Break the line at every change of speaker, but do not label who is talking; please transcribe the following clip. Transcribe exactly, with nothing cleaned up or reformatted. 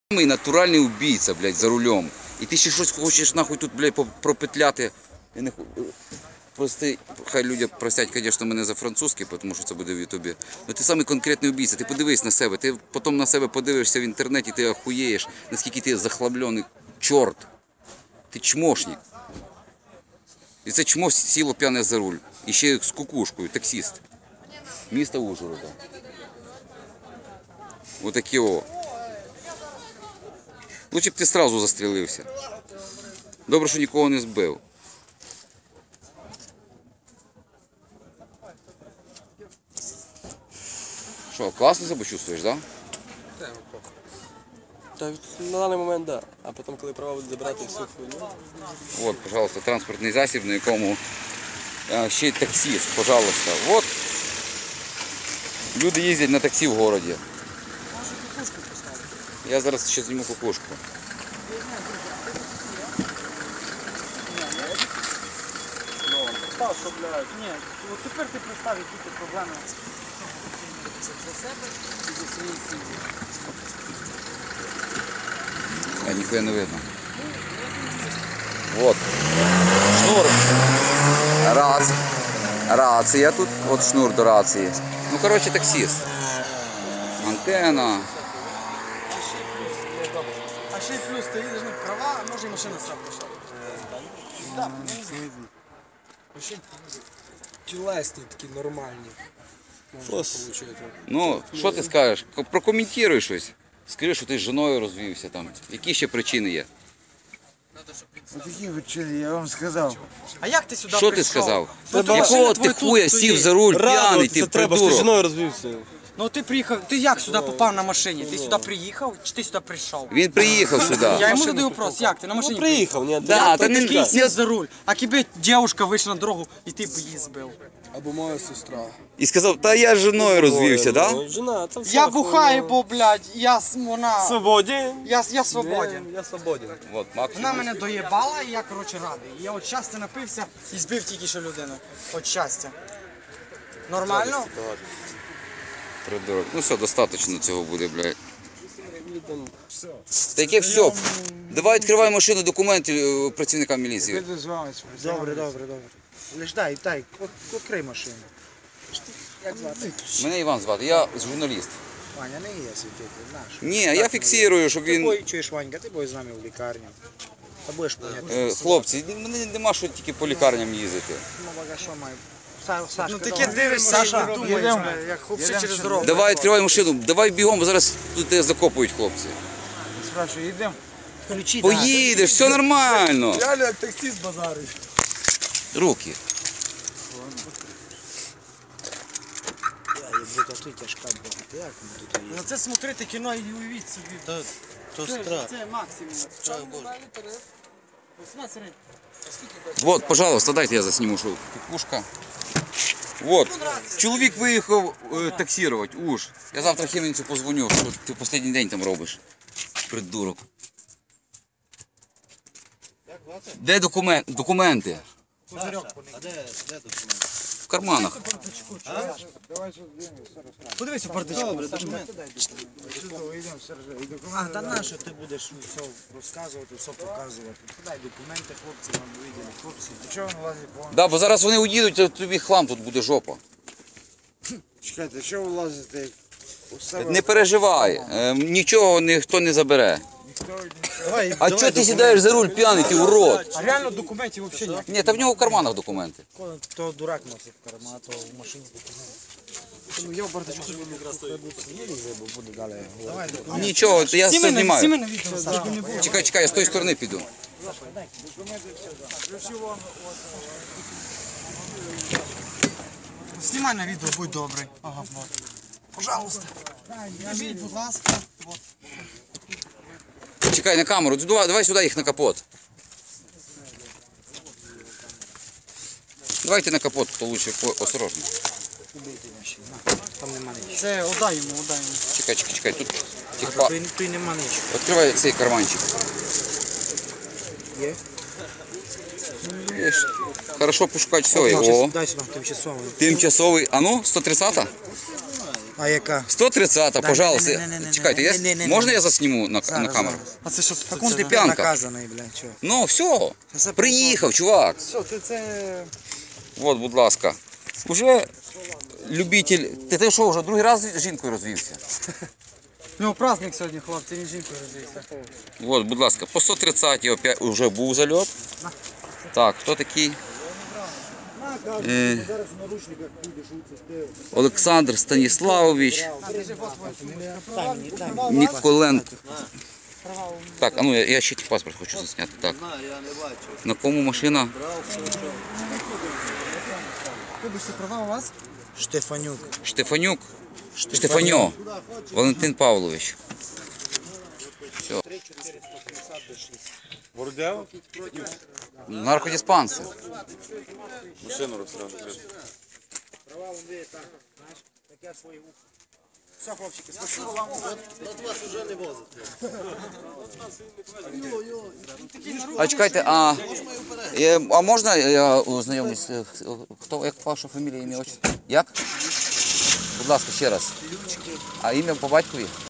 Самий натуральний убійця, блядь, за рулем. І ти ще щось хочеш нахуй тут, блядь, пропетляти. Я не... Прости, хай люди простять, звісно, мене за французький, тому що це буде в Ютубі. Але ти самий конкретний убійця, ти подивись на себе, ти потім на себе подивишся в інтернеті, ти охуєєш, наскільки ти захлаблений чорт. Ти чмошник. І це чмо сіло п'яне за руль. І ще з кукушкою, таксист. Міста Ужгорода. Отакі о. Лучше б ти одразу застрілився. Добре, що нікого не збив. Що, класно себе чувствуєш, так? Да?
Та на даний момент, так. Да. А потім, коли права будуть забирати всю хуйню.
Вот, пожалуйста, транспортний засіб, на якому а, ще й таксист, пожалуйста. Вот. Люди їздять на таксі в городі. Я зараз ще зніму кукушку.
Ні, от тепер ти представ, які ти проблеми для себе і для своєї сім'ї.
А ніхуя не видно. Вот. Шнур. Раз. Рація тут. От шнур до рації. Ну, коротше, таксист. Антенна.
А ще й плюс, ти їдеш на права, а може і машина сам пішла. Так,
Тілесні такі нормальні. Фос.
Ну, що ти скажеш? Прокоментуй щось. Скажи, що ти з жіною розвівся там. Які ще причини є?
Такі причини, я вам сказав.
А як ти сюди
Що
прийшов?
ти сказав?
Ну, то
Якого
машина
ти
твоя
хуя
тут
сів
стоїть.
за руль п'яний, ти
треба, що ти з
придурок?
жіною розвівся.
Ну ти приїхав, ти як сюди попав на машині? Ти сюди приїхав чи ти сюди прийшов?
Він приїхав сюди.
Я йому задаю вопрос, як ти на
Ну
машині
приїхав, ні?
Да,
Як
та
ти
не-
такий
не-
сів за руль, а кіби дівчинка вийшла на дорогу і ти б її збив.
Або моя сестра.
І сказав, та я з жіною розвівся, так? Да?
Жена, це все
Я бухаю, бо, блядь, я с- вона...
Свободен.
Я, я свободен.
Я свободен.
Вот, максимум.
Вона мене доєбала і я, коротше, радий. Я от щастя напився і збив тільки що людину. От щастя. Нормально?
Придурок. Ну все, достатньо цього буде, блядь. Таке все. Давай відкривай машину, документи е, працівникам міліції.
Піду з вами спрацювати.
Добре, добре, добре. Лиш дай, дай, відкрий машину. Як звати?
Мене Іван звати, я журналіст.
Ваня, не є світитель, наш.
Ні, я фіксую, щоб
Ти
він...
бой, чуєш, Ванька, ти будеш з нами в лікарню. Та будеш поняти.
Е, Хлопці, мене нема що тільки по лікарням їздити.
Ну, бага, що маю? Ну таке дивишся, Саша, думаєш, як хлопці через дорогу.
Давай відкривай машину, давай бігом, бо зараз тут тебе закопують хлопці.
Спрашиваю, йдемо?
Ключі,
Поїдеш, все нормально.
Реально як таксист базарить.
Руки.
Ну це смотрите кіно і уявіть собі.
То
Це,
страх.
це максимум.
Вот, пожалуйста, дайте я засніму, що кукушка. Вот. Чоловік виїхав е, таксувати, уж. Я завтра Хемінцю позвоню, що ти в останній день там робиш. Придурок. Де документ, документи?
А де, де документи?
В карманах.
Подивись у бардачку.
А, та на що ти будеш все розказувати, все показувати? Подай документи хлопці, нам виділи. Хлопці, до чого вони лазять по...
Да, бо зараз вони уїдуть, а тобі хлам тут буде жопа.
Чекайте, що ви лазите? У себе
Не переживай, е, нічого ніхто не забере.
Давай,
А чого ти сідаєш за руль п'яний, ти урод?
А реально документів взагалі ніяк.
Ні, та в нього в карманах документи.
То дурак носить карма, то в машині. Ну я в бардачку собі
буде далі.
Нічого, я все
Сіми
знімаю.
на відео, Саша.
Чекай, чекай, я з тої сторони піду.
Знімай на відео, будь добрий. Ага, вот. Пожалуйста. Біжіть, будь ласка. Вот.
Чекай на камеру, давай, давай сюди їх на капот. Давайте на капот, то лучше осторожно.
Там нема нічого. Це отдай йому, отдай йому.
Чекай, чекай, чекай, тут тихо.
Тут нема нічого.
Відкривай цей карманчик.
Є?
Є. Хорошо пошукати все. О,
Дай сюди тимчасовий.
тимчасовий. А ну, сто тридцята?
А яка?
сто тридцята,
Да,
пожалуйста.
не-не-не-не-не-не.
Чекайте, я...
Не-не-не-не.
можна я засніму на,
Зараз,
на камеру?
зараз.
А це що?
Так он
це?
ти
п'янка.
наказаний, блядь, чого?
Ну, все.
Це
Приїхав, чувак.
Все, ти це...
От, будь ласка. Уже любитель. Ти ти що, вже другий раз з жінкою розвівся?
У нього праздник сьогодні, хлопці, він жінкою розвівся.
От, будь ласка, по сто тридцять опять вже був зальот. Так, хто такий? Е, Олександр Станіславович. Ніколенко. Так, а ну я, я ще ті паспорт хочу засняти. Так. На кому машина?
Вибачте, права у вас?
Штефанюк.
Штефанюк. Штефаньо. Валентин Павлович. Все. Наркодиспансер.
Все, хлопчики, спасибо вам.
А чекайте, а, е, а можна я ознайомлюсь? е, Хто, як ваша фамілія, ім'я, отчество? Як? Будь ласка, ще раз. А ім'я по батькові?